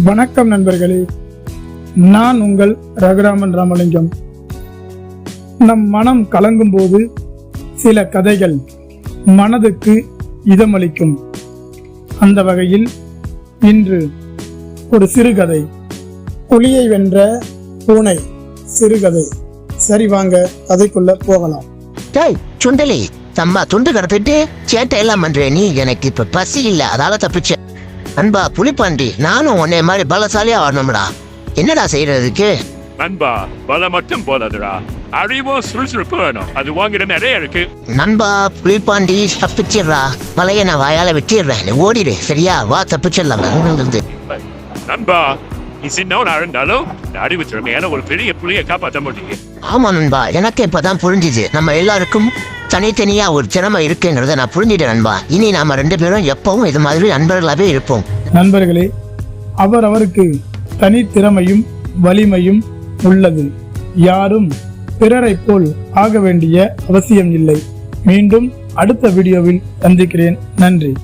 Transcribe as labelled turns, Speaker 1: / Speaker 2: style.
Speaker 1: வணக்கம் நண்பர்களே, நான் உங்கள் ரகுராமன் ராமலிங்கம். நம் மனம் கலங்கும் போது சில கதைகள் மனதுக்கு இதமளிக்கும். அந்த வகையில் இன்று ஒரு சிறுகதை, புலியை வென்ற பூனை சிறுகதை. சரி, வாங்க கதைக்குள்ள போகலாம்.
Speaker 2: சுண்டலி, தம்மா துண்டு கடத்திட்டு சேட்டை எல்லாம் பண்றே. நீ எனக்கு இப்ப பசி இல்ல, அதால தப்பிச்ச. அன்பா புலிப்பாண்டி, நானும் உன்னை மாதிரி பலசாலியா வரணும்டா. என்னடா செய்யறதுக்கு?
Speaker 3: நண்பா, பல மட்டும் போதாதுடா, அறிவும் சுறுசுறுப்பு வேணும். அது வாங்கிட நிறைய இருக்கு.
Speaker 2: நண்பா புலிப்பாண்டி, தப்பிச்சிடுறா. வலைய நான் வாயால வெட்டிடுறேன், நீ ஓடிடு. சரியா, வா தப்பிச்சிடலாம்.
Speaker 3: நண்பா, நீ சின்னவனா இருந்தாலும் அறிவு திறமையான ஒரு பெரிய புலியை காப்பாற்ற முடியும்.
Speaker 2: ஆமா நண்பா, எனக்கு இப்பதான் புரிஞ்சுது. நம்ம எல்லாருக்கும் தனித்தனியா ஒரு திறமை இருக்குங்கிறத நான் புரிஞ்சுட்டேன் நண்பா. இனி நாம 2 பேரும் எப்பவும் இது மாதிரி நண்பர்களாவே இருப்போம்.
Speaker 1: நண்பர்களே, அவருக்கு தனித்திறமையும் வலிமையும் உள்ளது. யாரும் பிறரை போல் ஆக வேண்டிய அவசியம் இல்லை. மீண்டும் அடுத்த வீடியோவில் சந்திக்கிறேன். நன்றி.